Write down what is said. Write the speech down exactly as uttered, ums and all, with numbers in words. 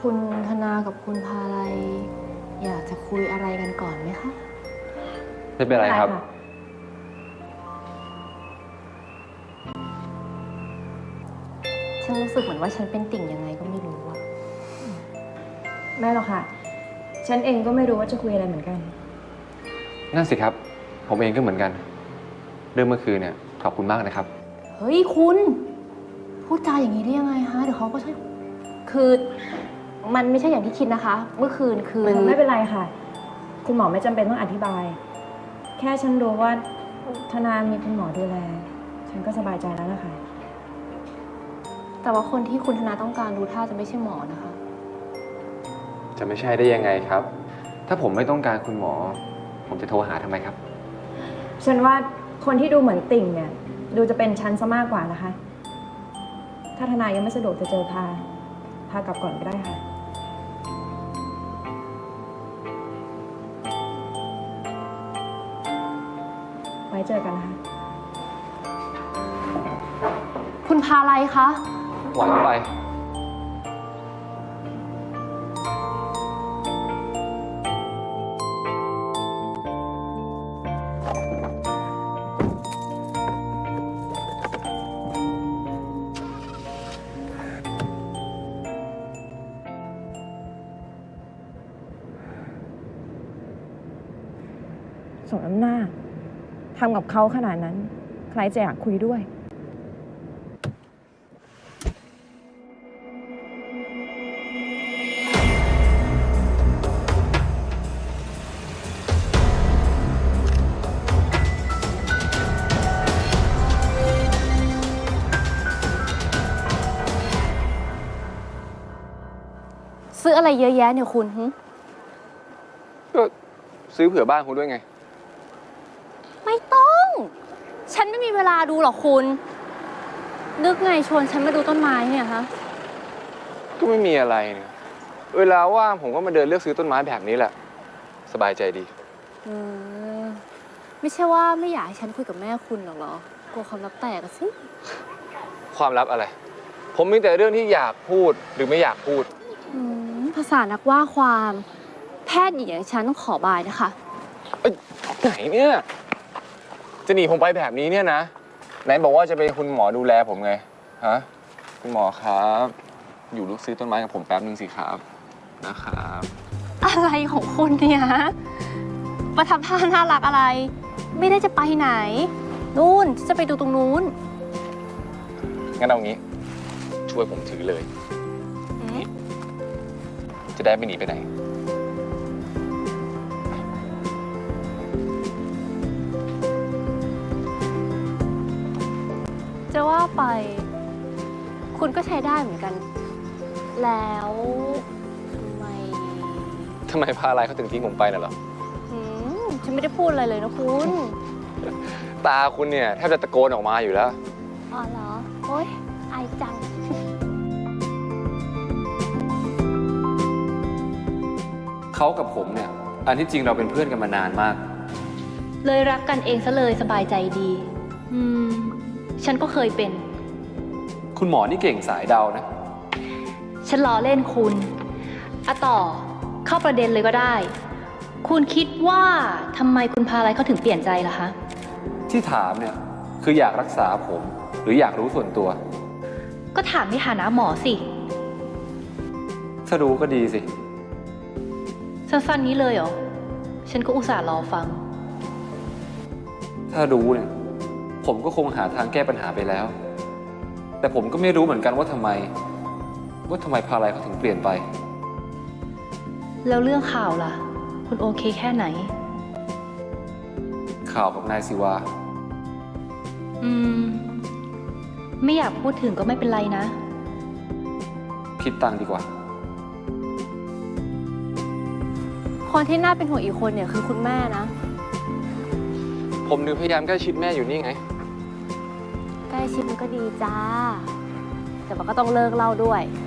คุณธนากับคุณพาลัยอยากจะคุยอะไรกันก่อนไหมคะไม่เป็นไรครับฉันรู้สึกเหมือนว่าฉันเป็นติ่งยังไงก็ไม่รู้อะไม่หรอกค่ะฉันเองก็ไม่รู้ว่าจะคุยอะไรเหมือนกันนั่นสิครับผมเองก็เหมือนกันเรื่องเมื่อคืนเนี่ยขอบคุณมากนะครับเฮ้ยคุณพูดจาอย่างนี้ได้ยังไงฮะเดี๋ยวเขาก็ใช่คือมันไม่ใช่อย่างที่คิดนะคะ เมื่อคืนคือไม่เป็นไรค่ะคุณหมอไม่จำเป็นต้องอธิบายแค่ฉันรู้ว่าธนามีคุณหมอดูแลฉันก็สบายใจแล้วล่ะค่ะแต่ว่าคนที่คุณธนาต้องการรู้ท่าจะไม่ใช่หมอนะคะจะไม่ใช่ได้ยังไงครับ ถ้าผมไม่ต้องการคุณหมอผมจะโทรหาทำไมครับฉันว่าคนที่ดูเหมือนติ่งเนี่ยดูจะเป็นฉันซะมากกว่านะคะถ้าธนายังไม่สะดวกจะเจอพาพากลับก่อนก็ได้ค่ะไว้เจอกันนะคะคุณพาลัยคะหวานไปสมน้ำหน้าทำกับเขาขนาดนั้นใครจะอยากคุยด้วยซื้ออะไรเยอะแยะเนี่ยคุณก็ซื้อเผื่อบ้านคุณด้วยไงไม่ต้อง ฉันไม่มีเวลาดูหรอกคุณ นึกไงชวนฉันมาดูต้นไม้เนี่ยฮะก็ไม่มีอะไรเนี่ยเวลาว่างผมก็มาเดินเลือกซื้อต้นไม้แบบนี้แหละสบายใจดีเออไม่ใช่ว่าไม่อยากให้ฉันคุยกับแม่คุณหรอกเหรอกลัวความลับแตกอะสิความลับอะไรผมมีแต่เรื่องที่อยากพูดหรือไม่อยากพูดภาษานักว่าความแพทย์หญิงอย่างฉันต้องขอบายนะคะเอ้ยไหนเนี่ยจะหนีผมไปแบบนี้เนี่ยนะไหนบอกว่าจะเป็นคุณหมอดูแลผมไงฮะคุณหมอครับอยู่ลูกซื้อต้นไม้กับผมแป๊บนึงสิครับนะครับอะไรของคุณเนี่ยประทับท่าน่ารักอะไรไม่ได้จะไปไหนนู่นจะไปดูตรงนู้นงั้นเอางี้ช่วยผมถือเลยจะได้ไม่หนีไปไหนจะว่าไปคุณก็ใช้ได้เหมือนกัน แล้วทำไมทำไมพาอะไรเขาถึงทิ้งผมไปน่ะเหรออืมฉันไม่ได้พูดอะไรเลยนะคุณตาคุณเนี่ยแทบจะตะโกนออกมาอยู่แล้วอ๋อเหรอโอ๊ยอายจังเขากับผมเนี่ยอันที่จริงเราเป็นเพื่อนกันมานานมากเลยรักกันเองซะเลยสบายใจดีอืมฉันก็เคยเป็นคุณหมอนี่เก่งสายเดานะฉันล้อเล่นคุณอะต่อเข้าประเด็นเลยก็ได้คุณคิดว่าทำไมคุณพาอะไรเขาถึงเปลี่ยนใจล่ะคะที่ถามเนี่ยคืออยากรักษาผมหรืออยากรู้ส่วนตัวก็ถามในฐานะหมอสิถ้ารู้ก็ดีสิสั้นๆนี้เลยเหรอฉันก็อุตส่าห์รอฟังถ้ารู้เนี่ยผมก็คงหาทางแก้ปัญหาไปแล้วแต่ผมก็ไม่รู้เหมือนกันว่าทำไมว่าทำไมพาอะไรเขาถึงเปลี่ยนไปแล้วเรื่องข่าวล่ะคุณโอเคแค่ไหนข่าวกับนายศิวาอืมไม่อยากพูดถึงก็ไม่เป็นไรนะคิดตังค์ดีกว่าคนที่น่าเป็นห่วงอีกคนเนี่ยคือคุณแม่นะผมนึกพยายามใกล้ชิดแม่อยู่นี่ไงใกล้ชิดมันก็ดีจ้าแต่มันก็ต้องเลิกเล่าด้วย